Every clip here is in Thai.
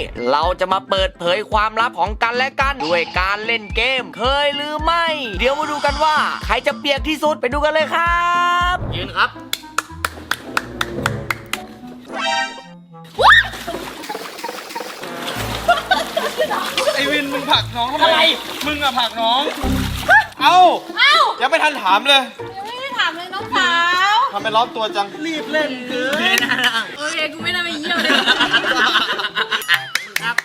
เราจะมาเปิดเผยความลับของกันและกันด้วยการเล่นเกมเคยหรือไม่ เดี๋ยวมาดูกันว่าใครจะเปียกที่สุดไปดูกันเลยครับยืนครับไอวินมึงผลักน้องทำไมมึงอะผลักน้องเอ้ายังไม่ทันถามเลยยังไม่ได้ถามเลยน้องสาวทำไมร้อนตัวจังรีบเล่นเกินโอเคกูไม่น่าไปเยี่ยมเลยครับ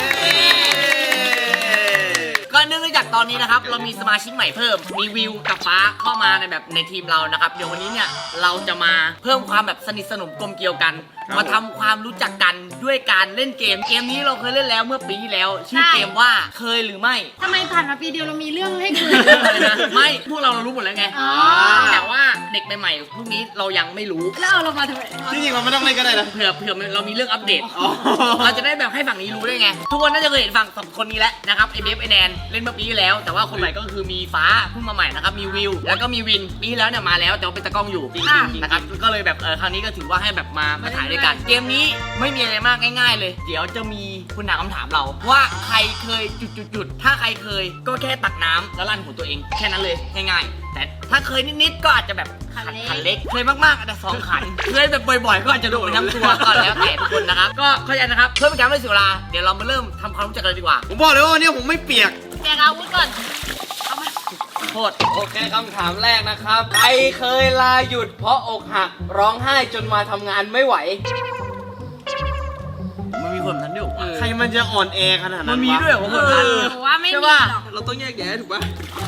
ก็เนื่องจากตอนนี้นะครับเรามีสมาชิกใหม่เพิ่มมีวิวกับฟ้าเข้ามาในแบบในทีมเรานะครับเดี๋ยววันนี้เนี่ยเราจะมาเพิ่มความแบบสนิทสนมกลมเกลียวกันมาทำความรู้จักกันด้วยการเล่นเกมนี้เราเคยเล่นแล้วเมื่อปีที่แล้วชื่อเกมว่าเคยหรือไม่ทำไมผ่านมาปีเดียวเรามีเรื่องให้คุยไม่พวกเรารู้หมดแล้วไงแต่ว่าเด็กใหม่ๆพวกนี้เรายังไม่รู้แล้วเอาเรามาทำไมจริงๆเราไม่ต้องเล่นก็ได้นะเผื่อเรามีเรื่องอัปเดตเราจะได้แบบให้ฝั่งนี้รู้ด้วยไงทุกคนน่าจะเคยเห็นฝั่งสองคนนี้แล้วนะครับไอเบฟไอแนนเล่นเมื่อปีที่แล้วแต่ว่าคนใหม่ก็คือมีฟ้าเพิ่งมาใหม่นะครับมีวิวแล้วก็มีวินปีที่แล้วเนี่ยมาแล้วแต่ว่าเป็นตะกล้องอยู่นะครับก็เลยแบบครั้งนี้ก็ถือว่าให้แบบมาถ่ายด้วยกันเกมนี้ไม่มีอะไรมากง่ายๆเลยเดี๋ยวจะมีคุณถามคำถามเราว่าใครเคยจุดถ้าใครเคยก็แค่ตักน้ำแล้วลั่นหัวตัวเองแค่นั้นเลยง่ายๆแต่ถ้าเคยนิดๆก็อาจจะแบบขันเล็กเคยมากๆอาจจะ2 ขันเคยแบบบ่อยๆก็อาจจะโดนไปทั้งตัวก็แล้วแต่ทุกคนนะครับก็เข้าใจนะครับเพื่อเป็นการไม่เสียเวลาเดี๋ยวเรามาเริ่มทำความรู้จักกันเลยดีกว่าผมบอกเลยว่าวันนี้ผมไม่เปียกแกอาวุธก่อนเอามาโทษโอเคคำถามแรกนะครับใครเคยลาหยุดเพราะอกหักร้องไห้จนมาทำงานไม่ไหวมันมีคนนั้นด้วยใครมันจะอ่อนแอขนาดนั้นมันมีด้วยเหรอคนนั้นว่าไม่มีหรอกเราต้องแยกแยะถูกป่ะ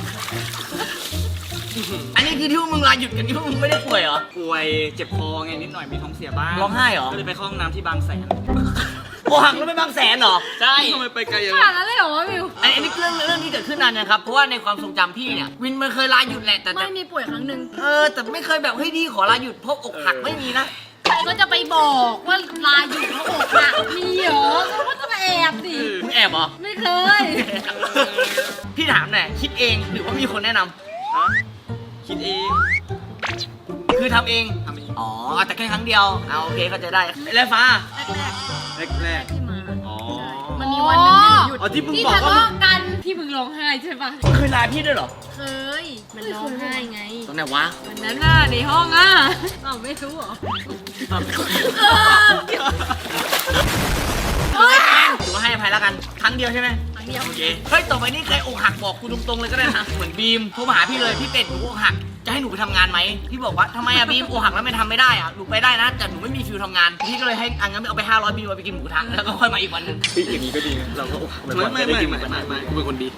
อันนี้คือที่มึงลาหยุดกันที่มึงไม่ได้ป่วยเหรอป่วยเจ็บคอไงนิดหน่อยมีท้องเสียบ้างร้องไห้เหรอก็เลยไปเข้าห้องน้ำที่บางแสนโอ้หักแล้วไม่บางแสนเหรอใช่ทำไมไปไกลอย่างนั้นขนาดนั้นเลยเหรอวะวิวอันนี้เรื่องที่เกิดขึ้นนานนะครับเพราะว่าในความทรงจำพี่เนี่ยวินมันเคยลาหยุดแหละแต่ไม่มีป่วยครั้งหนึ่งแต่ไม่เคยแบบเฮ้ยพี่ขอลาหยุดเพราะอกหักไม่มีนะใครก็จะไปบอกว่าลาหยุดเพราะอกหักมีเหรอเขาก็จะมาแอบสิมึงแอบเหรอไม่เคยพี่ถามหน่อยคิดเองหรือว่ามีคนแนะนำคิดเองคือทำเองอ๋อแต่แค่ครั้งเดียวเอาโอเคเข้าใจได้แล้วฟ้าแรกที่มาอ๋อมันมีวันหนึ่งหยุดที่มึงบอกว่ากันที่มึงร้องไห้ใช่ปะเคยลาพี่ด้วยเหรอเคยมันร้องไห้ไงตรงไหนวะวันนั้นน่ะในห้องอ่ะไม่รู้เหรอถือว่าให้อภัยแล้วกันครั้งเดียวใช่ไหมครั้งเดียวโอเคเฮ้ยต่อไปนี้ใครอกหักบอกกูตรงๆเลยก็ได้นะเหมือนบีมโทรมาหาพี่เลยพี่เป็ดหนูอกหักจะให้หนูไปทำงานไหมพี่บอกว่าทำไมอะบีมอกหักแล้วไม่ทำไม่ได้อะหนูไปได้นะแต่หนูไม่มีฟิลทำงานพี่ก็เลยให้งั้นเอาไป500บีมไปกินหมูกระทะแล้วก็ค่อยมาอีกวันนึงอย่างนี้ก็ดีนะเราก็อกหักไม่กูเป็นคนดี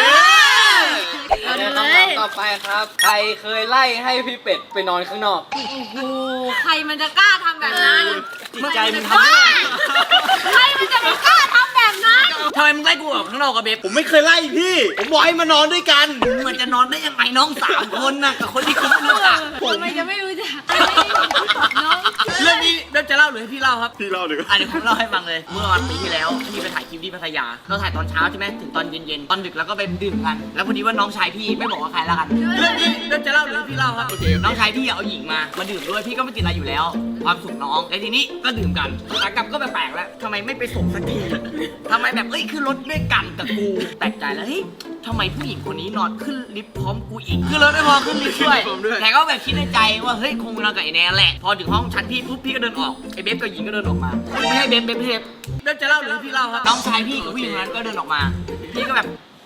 ต่อไปครับใครเคยไล่ให้พี่เป็ดไปนอนข้างนอกโอ้โหใครมันจะกล้าทำแบบนั้นจิตใจมันทำได้ใครมันจะกล้าทำแบบนั้นทำไมมึงไล่กูออกข้างนอกกับเบฟผมไม่เคยไล่พี่ผมบอกให้มานอนด้วยกันเหมือนจะนอนได้ยังไงน้อง3 คนน่ะกับคนที่คุณไม่รู้จักทำไมจะไม่รู้จักน้องเรื่องนี้เริ่มจะเล่าหรือให้พี่เล่าครับพี่เล่าเลยอันนี้ผมเล่าให้ฟังเลยเมื่อวันปีที่แล้วพี่ไปถ่ายคลิปที่พัทยาเราถ่ายตอนเช้าใช่ไหมถึงตอนเย็นๆตอนดึกแล้วก็ไปดื่มกันแล้วพอดีว่าน้องชายพี่ไม่บอกว่าใครละกันเรื่องนี้เริ่มจะเล่าหรือพี่เล่าครับโอเคน้องชายพี่เอาหญิงมาดื่มด้วยพี่ก็ไม่ติดอะไรอยู่แล้วความสุขน้องแต่ทีนี้ก็ดื่มกันขากลับก็แปลกๆแล้วทำไมไม่ไปส่งสักทีทำไมแบบคือรถด้วยกันกับกูแปลกใจแล้วเฮ้ยทำไมผู้หญิงคนนี้นอนขึ้นลิฟต์พร้อมกูอีกคือรถไม่พอขึ้นลิฟต์ด้วยแต่ก็แบบคิดในใจว่าเฮ้ยคงนอนกับไอ้แนนแหละพอถึงห้องชั้นพี่ปุ๊บพี่ก็เดินออกไอ้เบฟกับหญิงก็เดินออกมาไม่ใช่เบฟเริ่มจะเล่าหรือพี่เล่าครับน้องชายพี่กับผู้หญิงคนนั้นก็เดินออกมาพี่ก็แบบ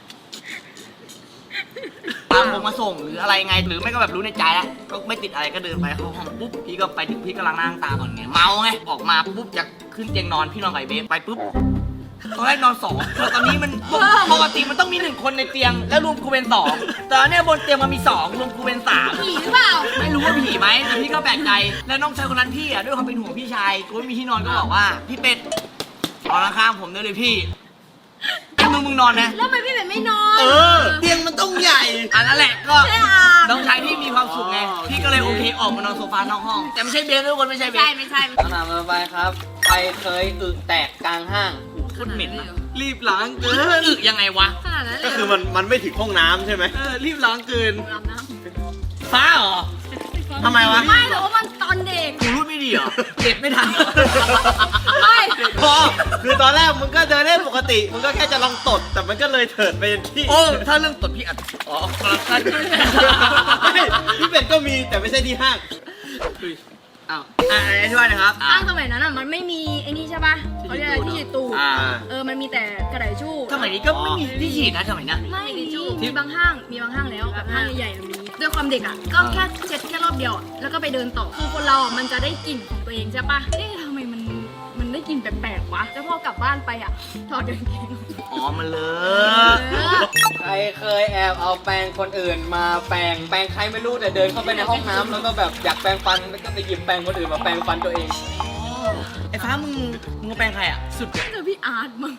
ตามผมมาส่งหรืออะไรไงหรือไม่ก็แบบรู้ในใจแล้วก็ไม่ติดอะไรก็เดินไปเข้าห้องปุ๊บพี่ก็ไปถึงพี่กำลังนั่งตาก่อนไงเมาไงออกมาปุ๊บจะขึ้นเตียงนอนพี่นอนกับไอ้เบฟไปปุ๊บตอนแรกนอน2แต่ตอนนี้มันปกติมันต้องมี1 คนในเตียงแล้วรวมกูเป็น2แต่เนี่ยบนเตียงมันมี2รวมกูเป็น3 ผีหรือเปล่าไม่รู้ว่าผีไหมแต่พี่ก็แปลกใจแล้วน้องชายคนนั้นพี่ด้วยความเป็นห่วงพี่ชายกูไม่มีที่นอนก็บอกว่าพี่เป็ดนอนข้างผมได้เลยพี่มึงนอนนะแล้วทำไมพี่เป็ดไม่นอนเตียงมันต้องใหญ่นั่นแหละก็น้องชายพี่มีความสุขไงพี่ก็เลยโอเคออกมานอนโซฟานอกห้องแต่ไม่ใช่เบฟทุกคนไม่ใช่เบฟไม่ใช่คำถามต่อไปครับใครเคยอึแตกกลางห้างโคตรเหม็นรีบล้างเกินยังไงวะขนาดนั้นก็คือมันไม่ถึงห้องน้ำใช่ไหมรีบล้างเกินฟ้าเหรอทำไมวะไม่หรอกว่ามันตอนเด็กกูรู้ไม่ดีพี่เหรอเก็บไม่ทันไม่พอคือตอนแรกมึงก็เดินได้ปกติมึงก็แค่จะลองตดแต่มันก็เลยเถิดไปที่โอ้ถ้าเรื่องตดพี่อัดอ๋อคอร์รัปชันไม่พี่เป็ดก็มีแต่ไม่ใช่ที่ห้างอ้าวอธิบายหนะครับห้างสมัยนั้นอ่ะมันไม่มีไอ้นี่ใช่ป่ะเขาเรียกอะไรที่ฉีดตูดอ่ามันมีแต่กระดาษชู่สมัยนี้ก็ไม่มีที่ฉีดนะสมัยนั้นไม่มีมีบางห้างแล้วแบบห้างใหญ่ๆมีด้วยความเด็กอ่ะก็แค่เช็ดแค่รอบเดียวอะแล้วก็ไปเดินต่อคือคนเราอ่ะมันจะได้กลิ่นของตัวเองใช่ป่ะทำไมมันได้กลิ่นแปลกๆวะแล้วพอกลับบ้านไปอ่ะถอดกางเกงอ๋อมันเลเออใครเคยแอบเอาแปรงคนอื่นมาแปรงใครไม่รู้แต่เดินเข้าไปในห้องน้ำแล้วก็แบบอยากแปรงฟันแล้วก็ไปหยิบแปรงคนอื่นมาแปรงฟันตัวเองไอ้ฟ้ามึงมาแปลงใครอ่ะสุดเจอพี่อาร์ตมั้ง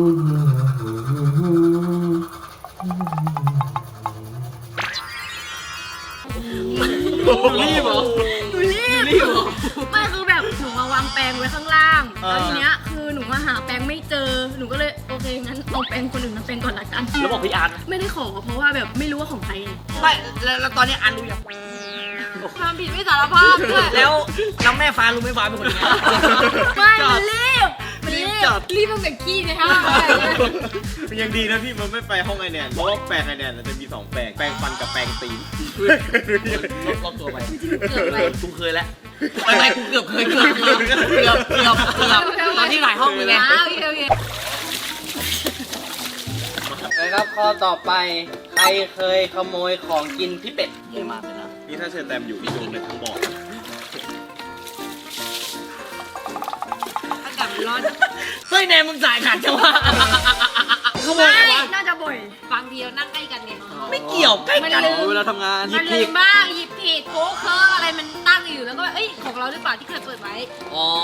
รีบเหรอหนูรีบไม่คือแบบหนูมาวางแปรงไว้ข้างล่างแล้วทีเนี้ยคือหนูมาหาแปรงไม่เจอหนูก็เลยโอเคงั้นเอาแปรงคนอื่นมาแปรงก่อนละกันแล้วบอกพี่อาร์ตไม่ได้ขอเพราะว่าแบบไม่รู้ว่าของใครไงไม่แล้วตอนนี้อันรู้ยังความผิดไม่สารภาพด้วยแล้วแม่ฟ้ารู้ไหมฟ้าเป็นคนยังไงไม่มันรีบรีบตั้งแต่ขี้ในห้างเลยมันยังดีนะพี่มันไม่ไปห้องไอแนนเพราะว่าแปรงไอแนนจะมี2แปรงแปรงฟันกับแปรงตีนรอบตัวไปกูเคยแล้วไม่กูเกือบเคยเกือบตอนที่หลายห้องเลยไงโอเคนะครับข้อต่อไปใครเคยขโมยของกินพี่เป็ดเยอะมากเลยนะนี่ถ้าเชิญแตมอยู่นี่โดนเลยทั้งบ่ออากาศร้อนเฮ้ยแนนมึงสายขาดจังวะขโมยไม่อะไรวะน่าจะบ่อยบางทีเรานั่งใกล้กันไงไม่เกี่ยวใกล้กันเวลาทำงานมันลืมบ้างหยิบผิดโค้กเคิร์กอะไรมันตั้งอยู่แล้วก็เอ้ยของเราหรือเปล่าที่เคยเปิดไว้อ๋อ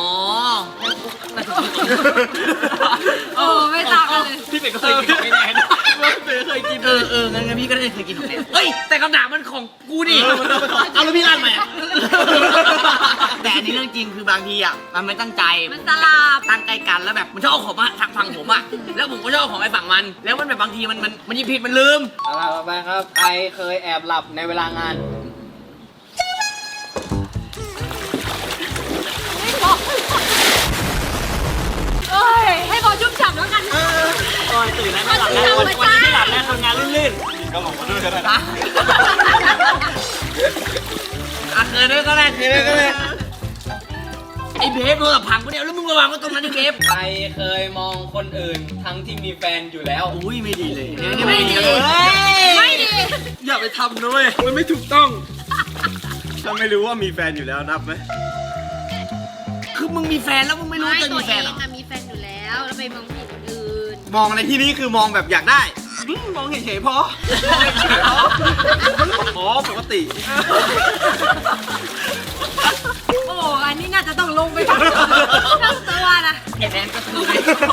โอ้ไม่ต่างกันเลยพี่เป็ดก็เคยกินของไอแนนพี่เคยกินงั้นพี่ก็ได้เคยกินของแนนเฮ้ยแต่คำถามมันของกูดิเอาแล้วพี่ลั่นไหมแต่อันนี้เรื่องจริงคือบางทีอ่ะมันไม่ตั้งใจมันสลับตั้งใกล้กันแล้วแบบมันชอบเอาของมาทางฝั่งผมอ่ะแล้วผมก็ชอบเอาของไอ้ฝั่งมัน แล้วมันแบบบางทีมันหยิบผิดมันลืมเอาล่ะต่อไปครับใครเคยแอบหลับในเวลางานเอ้ยให้พอชุ่มฉ่ำแล้วกันตอนตื่นแล้วไม่หลับแล้ววันนี้ไม่หลับแล้วทำงานลื่นก็หลงมาด้วยกันๆอ่ะเคยด้วยก็ได้ไอ้เบฟโดนพังกูเนี่ยแล้วมึงระวังว่าตรงนั้นไอ้เบฟใครเคยมองคนอื่นทั้งที่มีแฟนอยู่แล้วอุ้ยไม่ดีเลยไม่ดีไม่ดีอย่าไปทำด้วยมันไม่ถูกต้อง ถ้าไม่รู้ว่ามีแฟนอยู่แล้วนับไหมคือมึงมีแฟนแล้วมึงไม่รู้จะมีแฟนเหรอมีแฟนอยู่แล้วแล้วไปมองผู้หญิงคนอื่นมองในที่นี้คือมองแบบอยากได้มองเฉยๆพออ๋อปกติโอ้อันนี้น่าจะต้องลงไปทั้งตัวนะไอ้แฟนก็คือ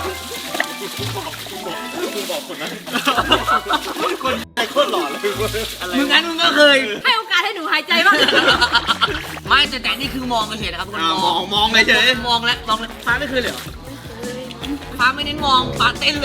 คุณบอกคนนั้นคนไอ้โคตรหล่อเลยอะไรมึงงั้นมึงก็เคยให้โอกาสให้หนูหายใจบ้างไม่แต่นี่คือมองเฉยๆนะครับทุกคนมองเลยเฉยมองแล้วฟ้าไม่เคยเลยเหรอฟ้าไม่เน้นมองฟ้าเต้นเลย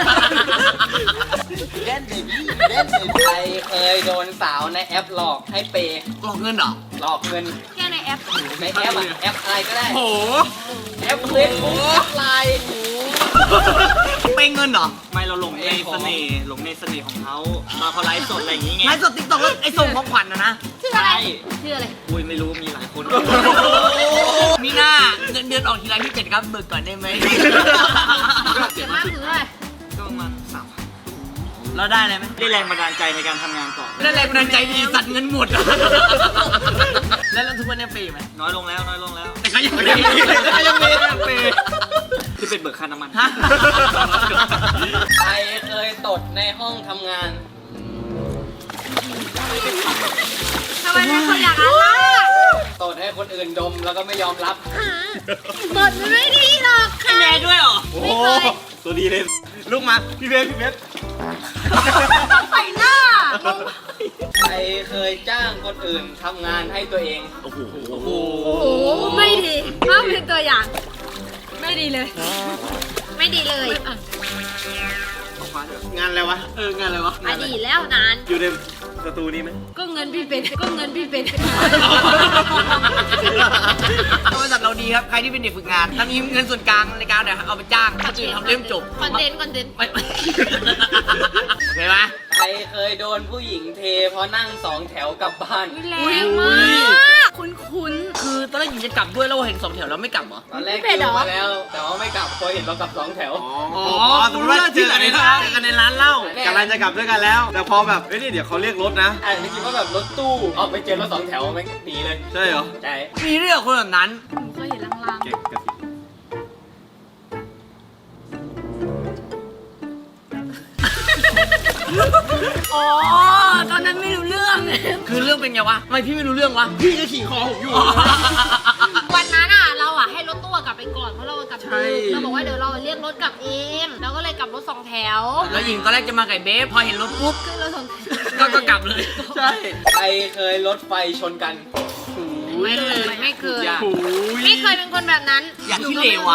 เล่นเบบี้เล่นเบบี้ใครเคยโดนสาวในแอปหลอกให้เปย์หลอกเงินเหรอหลอกเงินแค่ในแอปในแอปอะแอปอะไรก็ได้โอ้แอปเฟซบุ๊กแอปไลน์เป็นเงินเหรอไม่เราหลงในเสน่ห์หลงในเสน่ห์ของเขามาเขาไลฟ์สดอะไรอย่างงี้ไงไลฟ์สดติ๊กต็อกแล้วไอ้ส่งของขวัญนะชื่ออะไรชื่ออะไรอุ้ยไม่รู้มีหลายคนมีหน้าเงินเดือนออกทีไรพี่เป็ดครับเบิกก่อนได้ไหมเจ็บมากคืออะไรก็ประมาณ3,000 เราได้อะไรไหมได้แรงบันดาลใจในการทำงานต่อได้แรงบันดาลใจดีสัตว์เงินหมด แล้วทุกวันนี้เปย์ไหมน้อยลงแล้วแต่ก็ยังไม่ได้ยังมีแอปเปย์ที่เป็นเบิกค่าน้ำมันฮะใครเคยตดในห้องทำงานทำไมเป็นคนอย่างนั้นล่ะตดให้คนอื่นดมแล้วก็ไม่ยอมรับบทมันไม่ดีหรอกค่ะแม่ด้วยเหรอโอ้โหตัวดีเลยลูกมาพี่เบสใส่หน้าใครเคยจ้างคนอื่นทำงานให้ตัวเองโอ้โหโอ้โหไม่ดีห้ามเป็นตัวอย่าง ไม่ดีเลย ไม่ดีเลยฟ้าด้วยงานอะไรวะงานอะไรวะอดีตแล้วนานอยู่ในสตูนี้ไหมก็เงินพี่เป็นก็เงินพี่เป็นบริษัทเราดีครับ ใครที่เป็นเด็กฝึกงานถ้ามีเงินส่วนกลางในการเอาไปจ้างถ้าตื่นทำเล่มจบคอนเทนต์ไม่โอเคไหมใครเคยโดนผู้หญิงเทเพราะนั่ง2 แถวกลับบ้านแรงมาก คุ้นคือตอนแรกหญิงจะกลับด้วยแล้วเห็น2 แถวแล้วไม่กลับเหรอตอนแรกคิวมาแล้ว แต่ว่าไม่กลับพอเห็นเรากลับ2 แถวอ๋อสมมติว่าเจอกันในร้านเหล้ากำลังจะกลับด้วยกันแล้ว แต่พอแบบเฮ้ยนี่เดี๋ยวเขาเรียกรถนะอาจจะคิดว่าแบบรถตู้ออกไปเจอรถ2 แถวไม่หนีเลยใช่เหรอใช่มีเรื่องคนแบบนั้นๆหนูเคยเห็นลางเก่งกระสิบๆอ๋อตอนนั้นไม่รู้เรื่องคือเรื่องเป็นไงวะทำไมพี่ไม่รู้เรื่องวะพี่ก็ขี่คอผมอยู่วันนั้นอ่ะเราอ่ะให้รถตู้กลับไปก่อนเพราะเรากลับดึกเราบอกว่าเดี๋ยวเราเรียกรถกลับเองเราก็เลยกลับรถ2 แถวแล้วหญิงตอนแรกจะมาไก่เบฟพอเห็นรถปุ๊บขึ้นรถ2 แถวก็กลับเลยใช่ใครเคยรถไฟชนกันไม่เคยไม่เคยโอ้ยไม่เคยเป็นคนแบบนั้นอยากที่เลวอ่ะ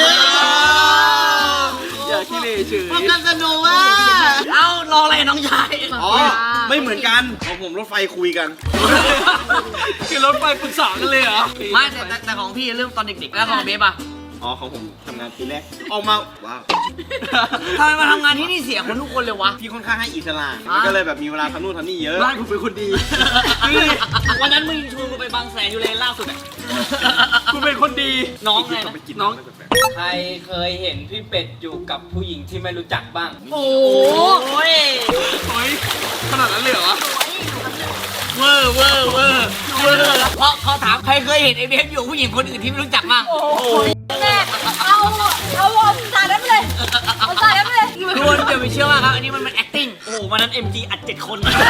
อย่าขี้เหร่เฉยพบกันสนุกว่ะเอ้ารออะไรน้องชายอ๋อ ไม่เหมือนกันของผมรถไฟคุยกันคือรถไฟปรึกษากันเลยเหรอไม่แต่ของพี่เรื่องตอนเด็กๆแล้วของเบฟอ่ะอ๋อของผมทำงานปีแรกออกมาว้าวทำไมมาทำงานที่นี่เสียคนทุกคนเลยวะพี่ค่อนข้างให้อิสระมันก็เลยแบบมีเวลาทำนู่นทำนี่เยอะบ้านผมเป็นคนดีวันนั้นมึงชวนกูไปบางแสนอยู่เลยล่าสุดอ่ะกูเป็นคนดีน้องไงต้องไปกินน้องะไรแปลกใครเคยเห็นพี่เป็ดอยู่กับผู้หญิงที่ไม่รู้จักบ้างโอ้โอ้ยเฮ้ยขนาดนั้นเลยเหรอวะเวอร์เพราะเขาถามใครเคยเห็นไอ้เบฟอยู่กับผู้หญิงคนอื่นที่ไม่รู้จักบ้างแม่เอาสาดน้ำเลยเอาสาดน้ำเลยทุกคนอย่าไปเชื่อมากครับ อันนี้มันเป็น acting โอ้โหวันนั้น MG อัด7 คน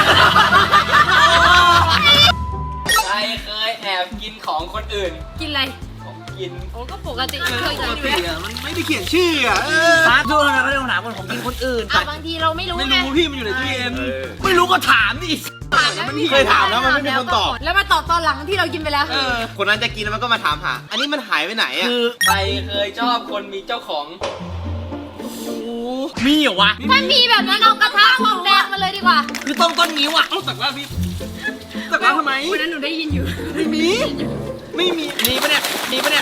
ใครเคยแอบกินของคนอื่นกินอะไรของกินโอ้ก็ปกติเคยกินอยู่แล้วมันไม่ได้เขียนชื่ออ่ะฟ้าดูนะเขาเรียกถามคนของกินคนอื่นอ่ะบางทีเราไม่รู้ไม่ไงรู้พี่มันอยู่ในตู้เย็นไม่รู้ก็ถามดิเคยถามแล้วมันไม่มีคนตอบแล้วมาตอบตอนหลังที่เรากินไปแล้วคนนั้นจะกินแล้วมันก็มาถามหา อันนี้มันหายไปไหนอ่ะคือใครเคยชอบคนมีเจ้าของมีเหรอวะถ้ามีแบบนั้นเอากระทะทองแดงมาเลยดีกว่าคือต้นนิ้วอ่ะเอาตักว่าพี่ตักว่าทำไมวันนั้นหนูได้ยินอยู่ไม่มี ไม่มีมีปะเนี่ย มีปะเนี่ย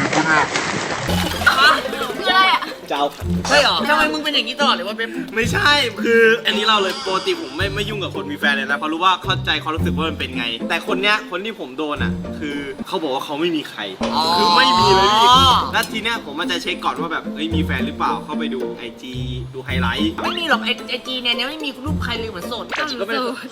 คืออะไรอ่ะเจ้าใช่เหรอทำไมมึงเป็นอย่างนี้ตลอดเลยว่าเบฟไม่ใช่ คืออันนี้เราเลยปกติผมไม่ยุ่งกับคนมีแฟนเลยนะ เพราะรู้ว่าเข้าใจความรู้สึกว่ามันเป็นไง แต่คนเนี้ย คนที่ผมโดนอ่ะ คือเขาบอกว่าเขาไม่มีใคร คือไม่มีเลยพี่แล้วทีเนี้ยผมมันจะเช็คก่อนว่าแบบเอ้ยมีแฟนหรือเปล่า เข้าไปดู IG ดูไฮไลท์ไม่มีหรอกไอจีเนี่ยไม่มีรูปใครเลยเหมือนโสดก็หนูโสด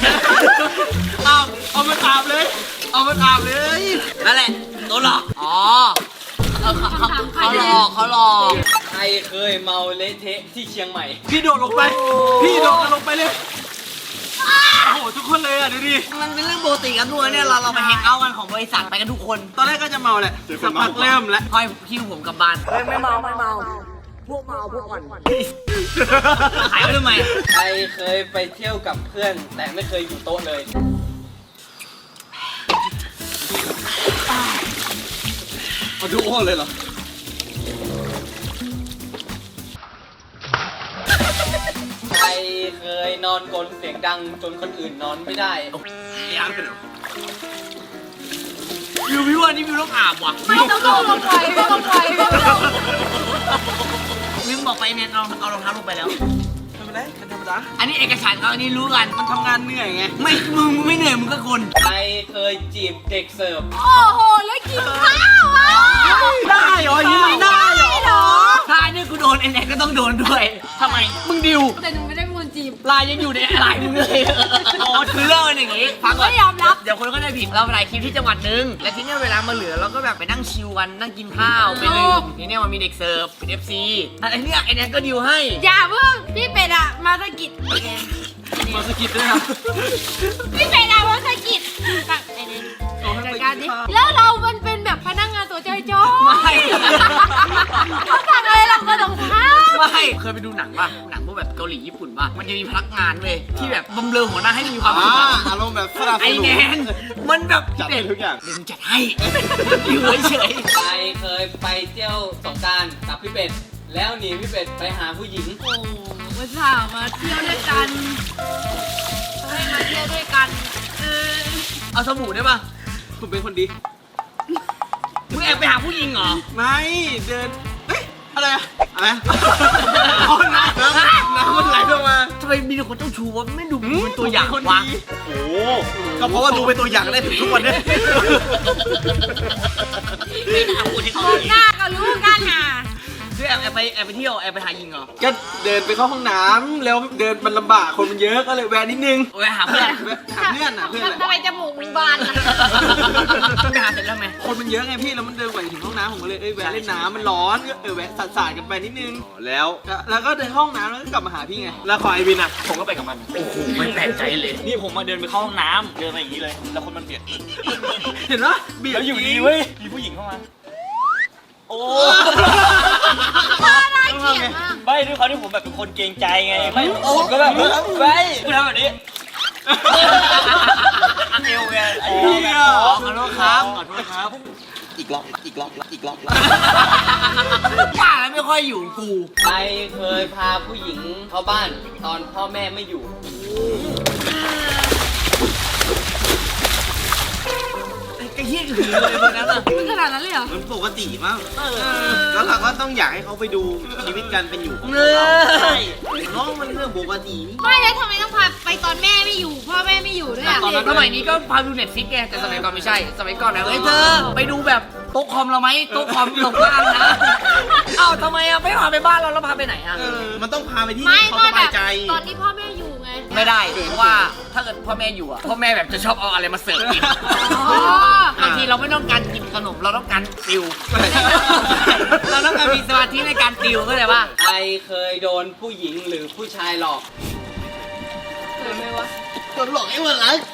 เอามาตามเลย เอามาตามเลยนั่นแหละโดนหลอกอ๋อเขาหลอกเขาหลอกใครเคยเมาเละเทะที่เชียงใหม่พี่โดดลงไป พี่โดดลงไปเลย โอ้โหทุกคนเลยอ่ะดูดิมันเป็นเรื่องปกติกันทุกคนเนี่ยเราไปแฮงเอาท์กันของบริษัทไปกันทุกคนตอนแรกก็จะเมาแหละสักพักเริ่มแล้วคอยคิวผมกลับบ้านไม่เมาพวกอ่อนขายไว้ทำไมใครเคยไปเที่ยวกับเพื่อน แต่ไม่เคยอยู่โต๊ะเลยเอาดูโอ้เลยเหรอใครเคยนอนกลนเสียงดังจนคนอื่นนอนไม่ได้ยามเป็นหรอวิวพี่ว่านี่วิวต้องอาบว่ะไม่ต้องลงไปไม่ต้องไปไม่ต้องวิวบอกไปเนี่ยเอารองเท้าลงไปแล้วทำไมได้กันธรรมดาอันนี้เอกสารเขาอันนี้รู้กันมันทำงานเหนื่อยไงมึงไม่เหนื่อยมึงก็คนใครเคยจีบเด็กเสิร์ฟโอ้โหแล้วกินข้าวอ่ะได้เหรอยังไม่ได้เหรอถ้าอันนี้กูโดนไอ้แน็กก็ต้องโดนด้วยทำไมมึงดิวแต่หนูไม่ได้เป็นคนจีบลายยังอยู่ในลายมึงเลยอ๋อคือเรื่องมันอย่างงี้ฟังก่อนไม่ยอมรับเดี๋ยวคนก็ได้ผิดเราไปถ่ายคลิปที่จังหวัดนึงและทีเนี้ยเวลามาเหลือเราก็แบบไปนั่งชิลกันนั่งกินข้าวไปดื่มทีเนี้ยมันมีเด็กเสิร์ฟเป็น FC ไอ้เนี้ยไอ้แน็กก็ดิวให้อย่าเพิ่งพี่เป็ดอะมาสะกิดมาสกิดด้วยนะพี่เป็ดอะมาสะกิดแบบไอ้นี่จัดการดิแล้วเรามันเป็นแบบพนักงานตัวจ้อยจ้อยไม่เขาสั่งอะไรเราก็ต้องทำไม่เคยไปดูหนังป่ะหนังพวกแบบเกาหลีญี่ปุ่นป่ะมันจะมีพนักงานเว้ยที่แบบบำเรอหัวหน้าให้มีความสุขอะอารมณ์แบบสลับไอแนนมันแบบจัดให้ทุกอย่างเดี๋ยวมึงจัดให้อยู่เฉยใครเคยไปเที่ยวสงกรานต์กับพี่เป็ด แล้วหนีพี่เป็ดไปหาผู้หญิงๆอุตส่าห์มาเที่ยวด้วยกันให้มาเที่ยวด้วยกันเอาสบู่ได้ปะผมเป็นคนดีมึงแอบไปหาผู้หญิงเหรอไม่เดินเฮ้ยอะไรอะอะไรอะอ๋อน้ำมันไหลลงมาทำไมมีแต่คนเจ้าชู้วะไม่ดูเป็นตัวอย่างคนวะดีโอ้ก็เพราะว่าดูเป็นตัวอย่างได้ถึงทุกวันเนี้ไม่น่าพูดที่เขามองหน้าก็รู้กันน่ะคือแอบไปเที่ยวแอบไปหาหญิงเหรอก็เดินไปเข้าห้องน้ำแล้วเดินมันลำบากคนมันเยอะก็เลยแวะนิดนึงไปหาเพื่อนหาเพื่อนอ่ะเพื่อนอะไรทำไมจมูกมึงบานล่ะไปหาเสร็จแล้วไหมคนมันเยอะไงพี่แล้วมันเดินกว่าจะถึงห้องน้ำผมก็เลยแวะเล่นน้ำมันร้อนก็แวะสาดๆกันไปนิดนึงแล้วแล้วก็เดินเข้าห้องน้ำแล้วก็กลับมาหาพี่ไงแล้วขอไอวินอะผมก็ไปกับมันโอ้โหไม่แปลกใจเลยนี่ผมมาเดินไปเข้าห้องน้ำเดินมาอย่างนี้เลย แล้วคนมันเบียดเห็นปะเบียดแล้วอยู่ดีเว้ย มีผู้หญิงเข้ามา โอ้น่าเกลียดมากไม่ด้วยความที่ผมแบบเป็นคนเกรงใจไง ไม่ผมก็แบบไปกูทำแบบนี้เอวไงขอโทษครับขอโทษครับอีกรอบว่าแล้วไม่ค่อยอยู่กูใครเคยพาผู้หญิงเข้าบ้านตอนพ่อแม่ไม่อยู่ไอ้เหี้ยหือเลยวันนั้นอ่ะมึงขนาดนั้นเลยเหรอมันปกติมั้งแล้วเราก็ต้องอยากให้เขาไปดูชีวิตการเป็นอยู่ของเนยน้องมันเรื่องปกตินี่ไม่แล้วทำไมต้องพาไปตอนแม่ไม่อยู่ พ่อแม่ไม่อยู่ด้วยอ่ะสมัยนี้ก็พาดูเน็ตฟิกไงแต่สมัยก่อนไม่ใช่ สมัยก่อนนะเฮ้ยเธอไปดูแบบโต๊ะคอมเราไหมโต๊ะคอมตกบ้านนะเอ้าทำไมอ่ะไม่พาไปบ้านเราแล้วพาไปไหนอ่ะมันต้องพาไปที่ไม่เขาก็สแบบายใจตอนที่พ่อแม่อยู่ไงไม่ได้เพราะว่าถ้าเกิดพ่อแม่อยู่อ่ะพ่อแม่แบบจะชอบเอาอะไรมาเสิร์ฟกินอ๋อบางทีเราไม่ต้องการกินขนมเราต้องการติว เราต้องการมีสมาธิในการติวเข้าใจป่ะใครเคยโดนผู้หญิงหรือผู้ชายหลอกเคยไหมวะโดนหลอกไอ้วันหลัง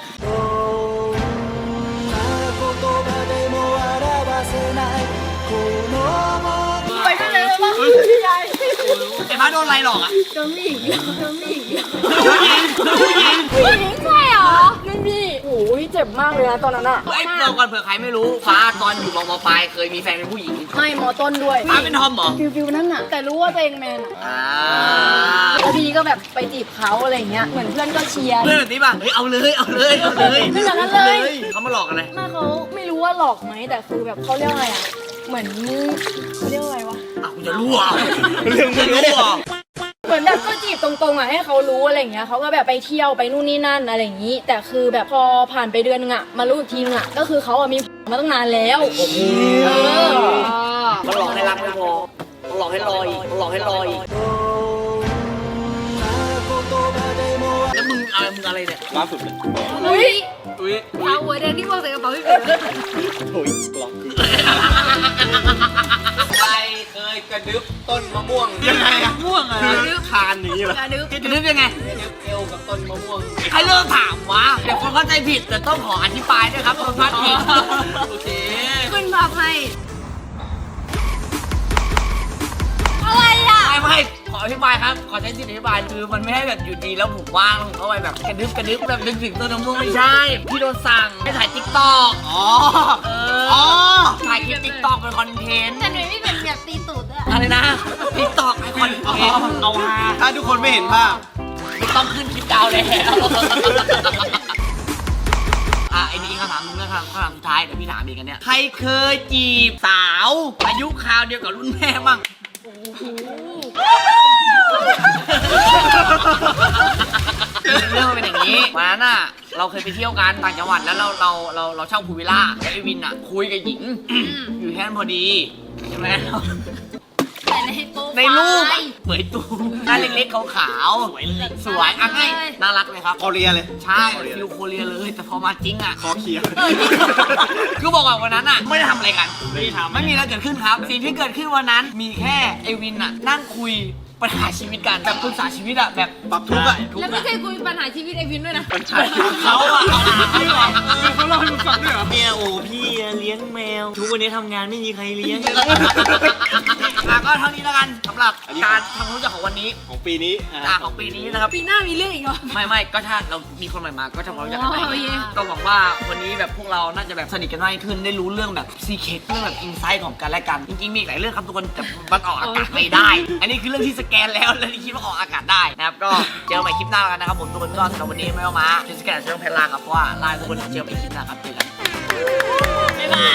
ไปไม่เลยว่าพี่ใหญ่ไอ้บ้าโดนอะไรหรอกอ่ะโดนผู้หญิงโดนผู้หญิงผู้หญิงผู้หญิงใช่เหรอนั่นพี่โอ้ยเจ็บมากเลยนะตอนนั้นอะไอ้เราก่อนเผื่อใครไม่รู้ฟ้าตอนอยู่มปลายเคยมีแฟนเป็นผู้หญิงไม่มอต้นด้วยฟ้าเป็นทอมเหรอฟิวนั่นน่ะแต่รู้ว่าตัวเองแมนอะอ่าแล้วทีนี้ก็แบบไปจีบเขาอะไรเงี้ยเหมือนเพื่อนก็เชียร์เพื่อนแบบนี้ป่ะเฮ้ยเอาเลยเอาเลยเอาเลยไม่แบบนั้นเลยเขามาหลอกอะไรแม่เขาไม่รู้ว่าหลอกไหมแต่คือแบบเขาเรียกอะไรอะเหมือนเขาเรียกว่าอะไรวะอ่ะกูจะรู้อ่ะเรื่องมึงรู้อ่ะเหมือนแบบก็จีบตรงๆอ่ะให้เขารู้อะไรอย่างเงี้ยเขาก็แบบไปเที่ยวไปนู่นนี่นั่นอะไรอย่างงี้ แต่คือแบบพอผ่านไปเดือนนึงอ่ะมารู้อีกทีนึงอ่ะก็คือเขาอ่ะมีมาตั้งนานแล้วเออมันหลอกให้รักไม่พอมันหลอกให้รออีกมันหลอกให้รออีกแล้วมึงอะไรเนี่ยล่าสุดเลยอุ้ยอุ้ยเอาหัวแดงที่วางใส่กระเป๋าพี่เก๋โอ้ยหลอกใครเคยกระดึบต้นมะม่วงยังไงอะม่วงอ่ะคือคานอย่างนี้เหรออย่านึกจะนึกยังไงกระดึบเอวกับต้นมะม่วงใครเลิกถามวะเดี๋ยวคนเข้าใจผิดแต่ต้องขออธิบายด้วยครับคนพลาดผิดโอเคขึ้นภาพให้อะไรอ่ะไม่ขออธิบายครับ ขอใช้สิทธิอธิบายคือมันไม่ให้แบบอยู่ดีแล้วผมว่างแล้วผมเข้าไปแบบกระดึ๊บแบบนึกถึงต้นมะม่วงไม่ใช่พี่โดนสั่งให้ถ่ายติ๊กต็อกอ๋อเออ๋อถ่ายคลิปติ๊กต็อกเป็นคอนเทนต์แต่หนูไม่เป็นแบบตีตูดด้วยอะไรนะติ๊กต็อกเป็นคอนเทนต์เอาฮาถ้าทุกคนไม่เห็นภาพไม่ต้องขึ้นคลิปดาวแล้วไอ้นี่คำถามนึงนะครับคำถามสุดท้ายเดี๋ยวพี่ถามอีกกันเนี่ยใครเคยจีบสาวอายุคราวเดียวกับรุ่นแม่มั่งเรื่องมันเป็นอย่างนี้วันนั้นน่ะเราเคยไปเที่ยวกันต่างจังหวัดแล้วเราเช่าพูลวิลล่าแล้วไอวินอ่ะคุยกับหญิง อยู่แค่นั้นพอดีใช่ไหมแต่ในโป๊ะในรูปอะเหมือนตูหน้าเล็กๆขาวๆสวยเลยสวยอ่ะให้น่ารักเลยครับคอเรียเลยใช่ฟิลโคเรียเลยแต่พอมาจริงอ่ะคอเคียร์คือบอกว่าวันนั้นอ่ะไม่ได้ทำอะไรกันไม่มีอะไรเกิดขึ้นครับ สิ่งที่เกิดขึ้นวันนั้นมีแค่ไอวินอ่ะนั่งคุยปัญหาชีวิตกันแบบปรึกษาชีวิตอ่ะแบบปรับทุกข์อะแล้วไม่เคยคุยปัญหาชีวิตไอวินด้วยนะเขาอ่ะเอาหาพี่ก่อนเขาเล่าให้มึงฟังด้วยเหรอเนี่ยโอ้พี่เลี้ยงแมว ทุกวันนี้ทำงานไม่มีใครเลี้ยงก็เท่านี้แล้วกันสำหรับการทำความรู้จักของวันนี้ของปีนี้ของปีนี้นะครับปีหน้ามีเรื่องอีกเหรอไม่ก็ถ้าเรามีคนใหม่มาก็จะมารู้จักกันใหม่อ๋อโอเคก็หวังว่าวันนี้แบบพวกเราน่าจะแบบสนิทกันมากขึ้นได้รู้เรื่องแบบซีเคร็ตเรื่องแบบอินไซต์ของกันและกัน จริงๆมีอีกหลายเรื่องครับทุกคนแต่มันออกอากาศไม่ได้ อันนี้คือเรื่องที่สแกแกนแล้วแล้วนี่คิดว่าออกอากาศได้นะครับก็เจอกันใหม่คลิปหน้ากันนะครับผมทุกคนก็สำหรับวันนี้ไม่ว่ามาจะสแกนช่องแพนลาครับเพราะว่าลาทุกคนเจอกันใหม่คลิปหน้าครับเจอกันบ๊ายบาย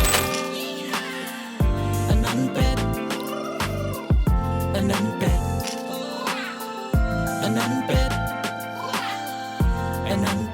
อันนั้นเป็ดอันนั้นเป็ดอันนั้นเป็ดอันนั้น